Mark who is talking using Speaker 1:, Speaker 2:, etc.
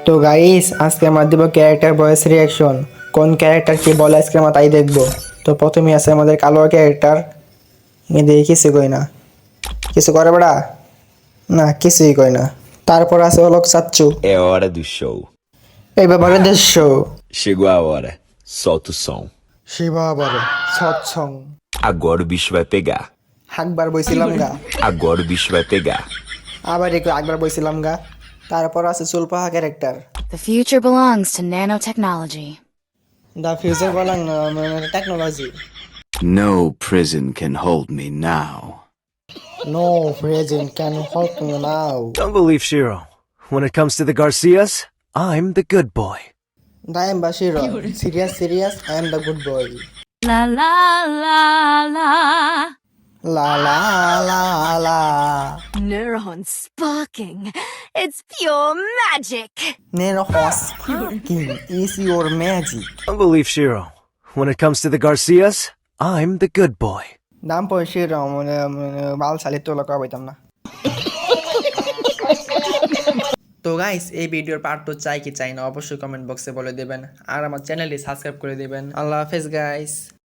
Speaker 1: তো গাইস আজকে আমরা দেবো ক্যারেক্টার ভয়েস রিয়াকশন। কোন ক্যারেক্টার কি বলে আজকে আমরা তাই দেখবো। তো প্রথমে আছে আমাদের কালো ক্যারেক্টার। দেখি কিছু কই না, কিছু করে বেড়া না, কিছুই কই না। তারপর আছে হলো চাচ্চু।
Speaker 2: É hora do show.
Speaker 1: এই ব্যাপারে দেশ
Speaker 2: Chegou a hora. Solta o som.
Speaker 1: Shiba বলে সৎসং।
Speaker 2: Agora o bicho vai pegar.
Speaker 1: আকবার বইছিলাম গা,
Speaker 2: Agora o bicho vai pegar.
Speaker 1: আবার একটু আকবার বইছিলাম গা। তারপর আছে চুলপাহা character.
Speaker 3: The future belongs to nanotechnology.
Speaker 1: The future belong technology.
Speaker 4: No prison can hold me now.
Speaker 1: No present can help me now.
Speaker 5: Don't believe Shiro. When it comes to the Garcias, I'm the good boy.
Speaker 1: দাইম বাশিরো serious serious I am the good boy.
Speaker 3: La la la la.
Speaker 1: লা লা লা লা।
Speaker 3: Neurons sparking. It's pure magic.
Speaker 1: Nero horse fucking is your magic.
Speaker 5: Don't believe Shiro. When it comes to the Garcias, I'm the good boy.
Speaker 1: দাম পয়সিরো বাল সালি তো লোক পাইতাম না। তো গাইস এই ভিডিওর পার্ট 2 চাই কি চাই না অবশ্যই কমেন্ট বক্সে বলে দেবেন, আর আমার চ্যানেলটি সাবস্ক্রাইব করে দেবেন। আল্লাহ হাফেজ গাইস।